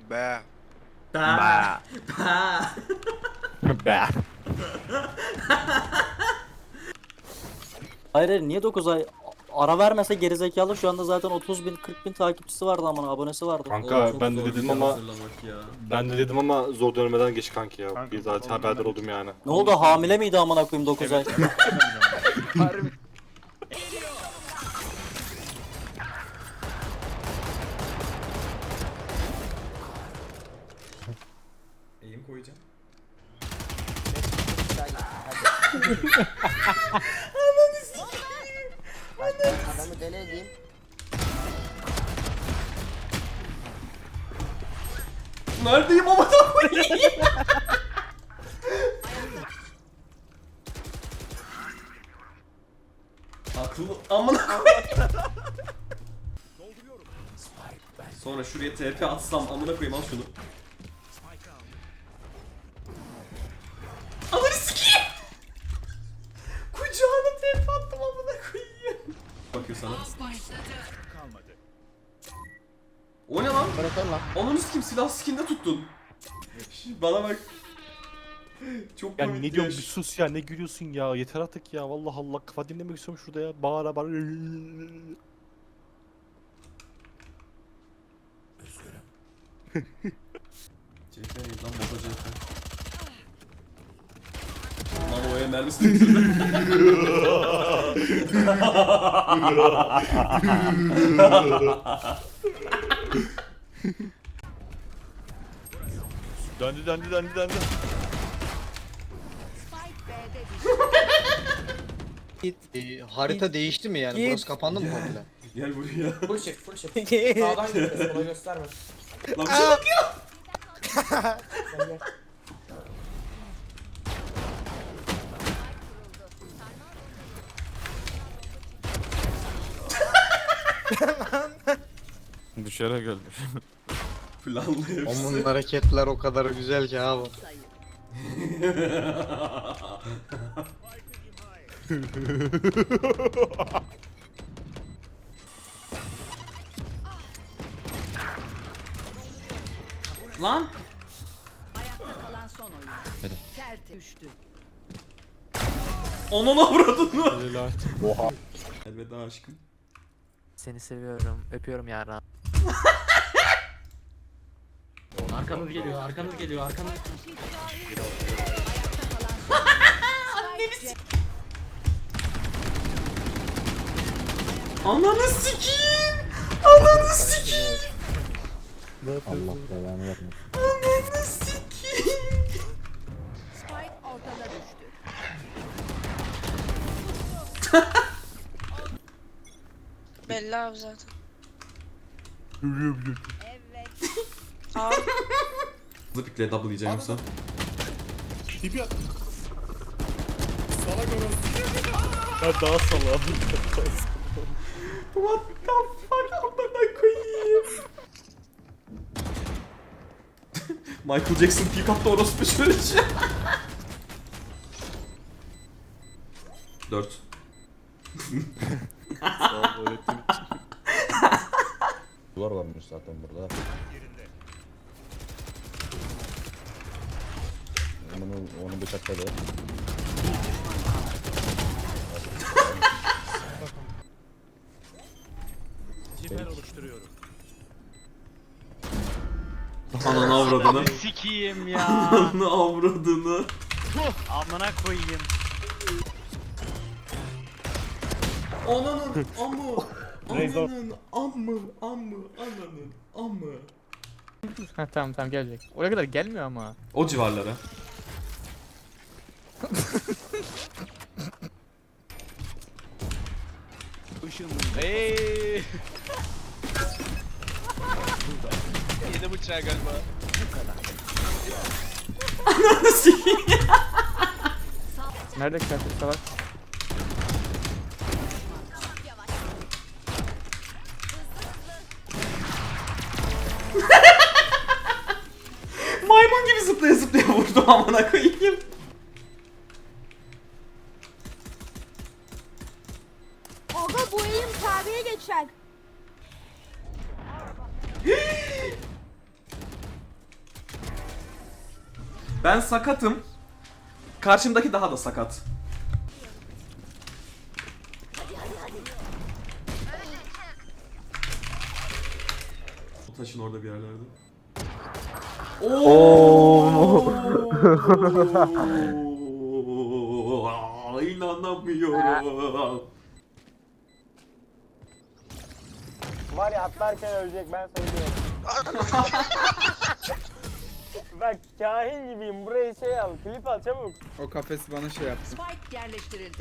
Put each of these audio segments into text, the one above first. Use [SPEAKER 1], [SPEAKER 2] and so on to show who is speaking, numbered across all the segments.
[SPEAKER 1] Be.
[SPEAKER 2] Ba. Ba.
[SPEAKER 3] Hayır hayır, niye 9 ay ara vermese gerizekalı, şu anda zaten 30 bin 40 bin takipçisi vardı, aman abonesi vardı.
[SPEAKER 4] Kanka
[SPEAKER 5] Çok
[SPEAKER 4] ben
[SPEAKER 5] zor
[SPEAKER 4] de
[SPEAKER 5] bir
[SPEAKER 4] dedim
[SPEAKER 5] şey
[SPEAKER 4] ama
[SPEAKER 5] hazırlamak ya.
[SPEAKER 4] zor dönmeden geç kanki ya.
[SPEAKER 2] Kanka,
[SPEAKER 4] Bir zaten
[SPEAKER 2] oğlum,
[SPEAKER 4] haberdar
[SPEAKER 2] ben de
[SPEAKER 4] oldum yani.
[SPEAKER 3] Ne oldu, hamile miydi amına koyayım 9 ay?
[SPEAKER 2] Harbi.
[SPEAKER 5] Eğim koyacağım.
[SPEAKER 6] Adamı deli edeyim.
[SPEAKER 5] Neredeyim ama da koyayım. Akıllı amına koyayım. Sonra şuraya TP atsam amına koyayım, al şunu. Ananı sikeyim. Kucağına TP attım amına koyayım. Bakıyor sana. O ne lan?
[SPEAKER 6] Bırakın lan.
[SPEAKER 5] Ananı sikeyim, silah skinde tuttun. Bana bak. Çok
[SPEAKER 4] Ya
[SPEAKER 5] komik
[SPEAKER 4] ne diyorsun,
[SPEAKER 5] ya.
[SPEAKER 4] bir sus ya, ne gülüyorsun ya, yeter artık ya, vallahi Allah, kafa dinlemek istiyorum şurada ya, bağıra bağıra.
[SPEAKER 5] CF neydi lan, bota CF. Lan o el mermisi temizledi.
[SPEAKER 4] Döndü.
[SPEAKER 6] Harita değişti mi yani? Burası kapandı mı komple?
[SPEAKER 5] Gel buraya.
[SPEAKER 6] Full shift. Sağdan gidiyorsun, sola gösterme.
[SPEAKER 5] Lan bir şey bak ya.
[SPEAKER 2] Düşerek öldü.
[SPEAKER 5] Planlı hepsi.
[SPEAKER 6] Onun hareketler o kadar güzel ki abi.
[SPEAKER 5] Lan.
[SPEAKER 7] Ayakta kalan son oyun. Sert düştü.
[SPEAKER 5] Onun avradını.
[SPEAKER 4] Oha.
[SPEAKER 5] Elveda aşkım.
[SPEAKER 8] Seni seviyorum. Öpüyorum yarın.
[SPEAKER 6] Arkamız geliyor, arkamız geliyor, arkamız.
[SPEAKER 5] Ananı sikeyim. Ananı sikeyim.
[SPEAKER 3] Allah belanı vermesin.
[SPEAKER 5] Ananı sikeyim.
[SPEAKER 7] Spike ortada düştü.
[SPEAKER 9] Belli abi zaten.
[SPEAKER 7] Evet.
[SPEAKER 9] Abi
[SPEAKER 5] Hızlı pikle double yiyeceğim yoksa.
[SPEAKER 4] Ben daha salam.
[SPEAKER 5] What the fuck, amına koyayım. Michael Jackson pick up'ta orospu şöyle şey. 4.
[SPEAKER 4] Sağ ol, öğrettiğin için.
[SPEAKER 2] Duvar varmış zaten burada. Onu bıçakladı.
[SPEAKER 5] Ananı avradını.
[SPEAKER 8] Sikiyim ya.
[SPEAKER 5] Ananı avradını.
[SPEAKER 8] Amına koyayım.
[SPEAKER 5] Ananın amı.
[SPEAKER 4] Neyse.
[SPEAKER 5] Ananın amı.
[SPEAKER 8] Ha, tamam gelecek. Oraya kadar gelmiyor ama.
[SPEAKER 5] O civarlara.
[SPEAKER 8] Eee. Yedi bıçağı galiba.
[SPEAKER 5] Ananı sikeyim.
[SPEAKER 8] Nerede kıyafet salak?
[SPEAKER 5] Maymun gibi zıplaya zıplaya vurdu amına koyayım.
[SPEAKER 9] Aga bu eğim tabiye geçer.
[SPEAKER 5] Ben sakatım. Karşımdaki daha da sakat. O taşın orada bir yerlerde. Oo! İnanamıyorum.
[SPEAKER 1] Var ya atlarken ölecek ben söylüyorum. Bak kahin gibiyim burayı şey al klip al çabuk.
[SPEAKER 10] O kafesi bana şey yaptı.
[SPEAKER 7] Spike yerleştirildi.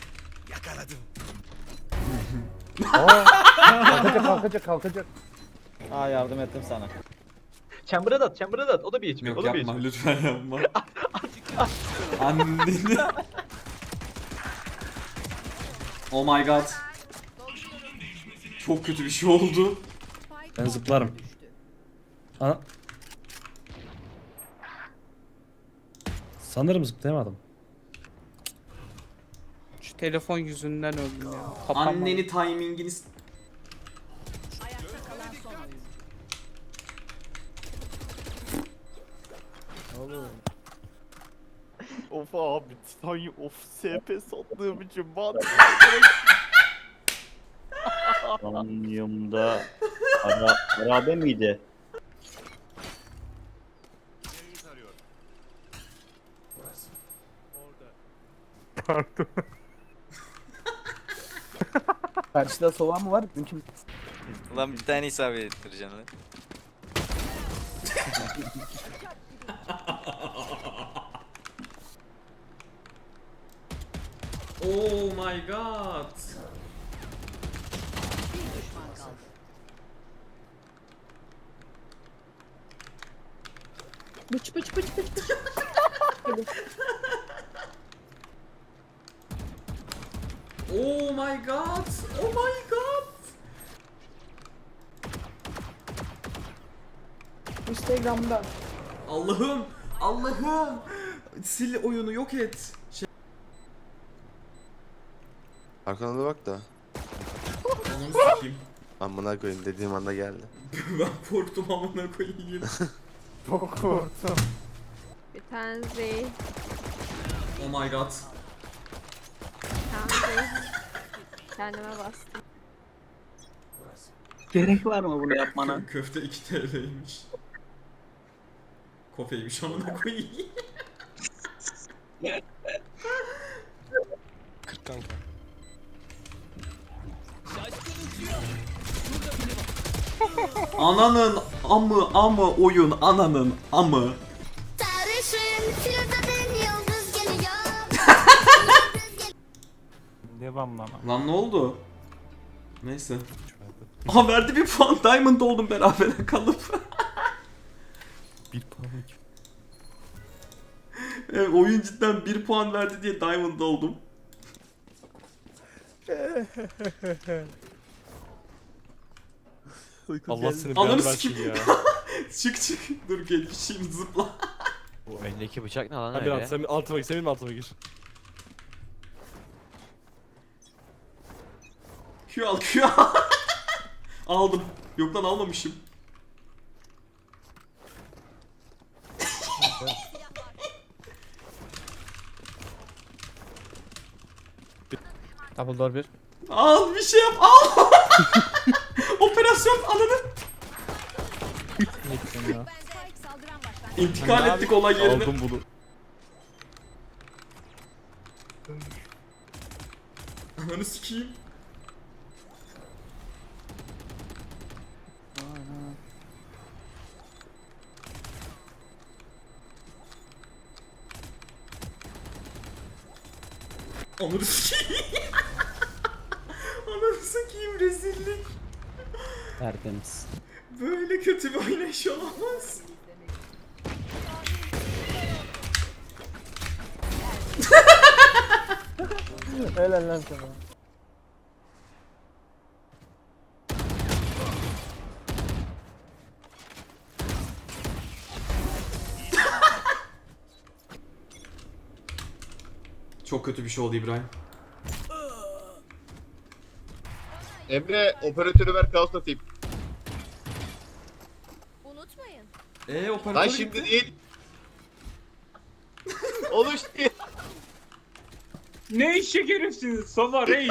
[SPEAKER 1] Kalkacak.
[SPEAKER 3] Aa yardım ettim sana.
[SPEAKER 4] Chamber'a da at, Chamber'a da at. O da bir içmiyor.
[SPEAKER 5] Yok yapma lütfen yapma. Anneni. Oh my god. Çok kötü bir şey oldu.
[SPEAKER 7] Ben zıplarım.
[SPEAKER 1] Sanırım zıplayamadım.
[SPEAKER 10] Şu telefon yüzünden öldüm ya.
[SPEAKER 5] Anneni timingini
[SPEAKER 7] Ayakta kalan son oyun.
[SPEAKER 4] Of abi, Titanium of SP sattığım için bana.
[SPEAKER 3] Titanium'da harabe miydi?
[SPEAKER 1] Karşıda soğan mı var? Mümkün.
[SPEAKER 6] Ulan bir tane isabet ettireceksin lan.
[SPEAKER 5] Oh my god.
[SPEAKER 7] Bir düşman kaldı.
[SPEAKER 5] Oh my god. Oh my god.
[SPEAKER 9] Instagram'da.
[SPEAKER 5] Allah'ım. Allah'ım. Sil oyunu yok et.
[SPEAKER 11] Arkana da bak da.
[SPEAKER 5] Onu sikeyim.
[SPEAKER 11] Amına koyayım dediğim anda geldi.
[SPEAKER 5] Ben korktum amına koyayım.
[SPEAKER 9] Bir tane Zey.
[SPEAKER 5] Oh my god.
[SPEAKER 9] Bir tane Zey. Kendime bastım.
[SPEAKER 3] Gerek var mı bunu yapmana?
[SPEAKER 5] Köfte 2 TL'ymiş. Kofeymiş amına koyayım.
[SPEAKER 11] 40 kanka.
[SPEAKER 5] Ananın amı oyun ananın amı.
[SPEAKER 4] Devam lan.
[SPEAKER 5] Lan ne oldu? Neyse. Aha verdi bir puan. Diamond oldum beraber kalıp.
[SPEAKER 4] Bir puanlık.
[SPEAKER 5] Evet, oyun cidden 1 puan verdi diye Diamond oldum.
[SPEAKER 4] Allah seni
[SPEAKER 5] Ananı
[SPEAKER 4] belanı versin
[SPEAKER 5] sikeyim.
[SPEAKER 4] ya.
[SPEAKER 5] Çık. Dur gelişeyim zıpla.
[SPEAKER 6] Bu elindeki bıçak ne lan
[SPEAKER 4] Hadi
[SPEAKER 6] öyle?
[SPEAKER 4] lan sen altıma gir, senin altıma gir.
[SPEAKER 5] Q al Q al. Aldım. Yok lan almamışım.
[SPEAKER 8] Double door bir.
[SPEAKER 5] Al bir şey yap al. Operasyon ananı.
[SPEAKER 8] Ne gittin ya?
[SPEAKER 7] Spike saldıran başlangıç.
[SPEAKER 5] İntikal ettik olay yerine.
[SPEAKER 4] Aldım bunu.
[SPEAKER 5] Ananı sikeyim. Ananı sikeyim. Ananı sikeyim rezillik.
[SPEAKER 3] Tertemiz.
[SPEAKER 5] Böyle kötü bir oynayış olamaz.
[SPEAKER 1] Helal lan sana.
[SPEAKER 5] Çok kötü bir şey oldu İbrahim.
[SPEAKER 11] Emre operatörü ver kaos atayım.
[SPEAKER 9] Unutmayın.
[SPEAKER 5] Operatör
[SPEAKER 11] Lan
[SPEAKER 5] gitti.
[SPEAKER 11] şimdi değil. Oluş diye.
[SPEAKER 10] Ne eşek herifsiniz Sova reis.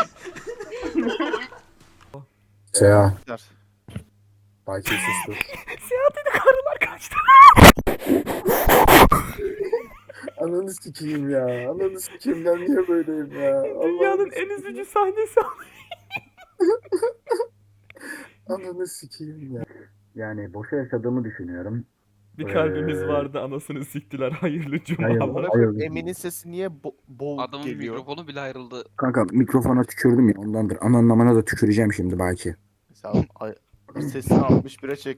[SPEAKER 2] Seha.
[SPEAKER 4] Ver.
[SPEAKER 2] Belki sustu. Ananı sikeyim ya. Ananı sikeyim ben niye böyleyim ya. Dünyanın en üzücü sahnesi. Ananı sikeyim ya. Yani boşa yaşadığımı düşünüyorum.
[SPEAKER 12] Bir kalbimiz vardı anasını siktiler hayırlı cumalar.
[SPEAKER 1] Emin'in sesi niye bol
[SPEAKER 10] Adamın
[SPEAKER 1] geliyor?
[SPEAKER 10] mikrofonu bile ayrıldı.
[SPEAKER 2] Kanka mikrofona tükürdüm ya ondandır. Anlamana da tüküreceğim şimdi belki.
[SPEAKER 1] Mesela sesini 61'e çek.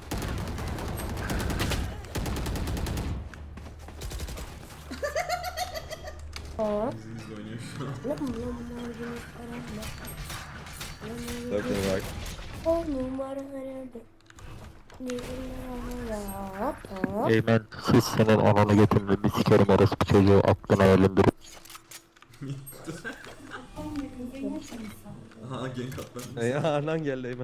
[SPEAKER 3] Eymen siz senin ananı getirmemi sikerim orospu çocuğu aklına elindir.
[SPEAKER 5] Aha gank atlar.
[SPEAKER 1] Ya anan geldi Eymen.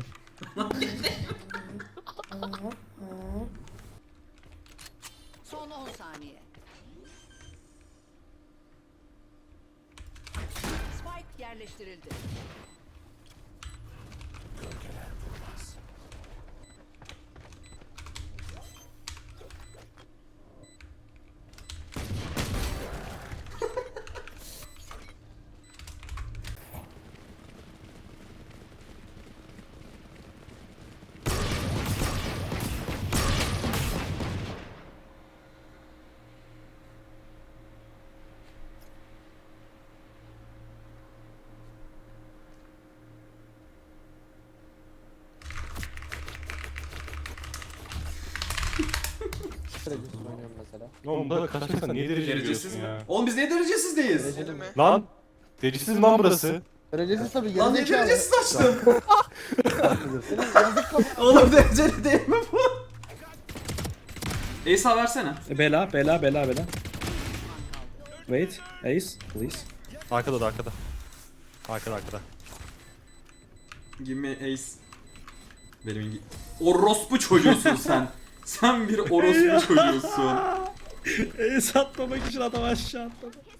[SPEAKER 7] Son 10 saniye. Spike yerleştirildi.
[SPEAKER 4] Oğlum burada kaçacaksan niye dereceli
[SPEAKER 5] Derecesiz
[SPEAKER 4] veriyorsun
[SPEAKER 5] mi?
[SPEAKER 4] ya?
[SPEAKER 5] Oğlum biz ne derecesizdeyiz?
[SPEAKER 4] Lan! Derecesiz mi lan burası?
[SPEAKER 6] Derecesiz tabii.
[SPEAKER 5] Lan ne derecesiz açtım? Oğlum dereceli değil mi bu? Ace versene.
[SPEAKER 10] Bela. Wait. Ace please.
[SPEAKER 4] Arkada da arkada. Arkada.
[SPEAKER 5] Give me ace. Benim orospu çocuğusun sen. Sen bir orospu çocuğusun.
[SPEAKER 10] Ace atmamak için adam aşağı atladı.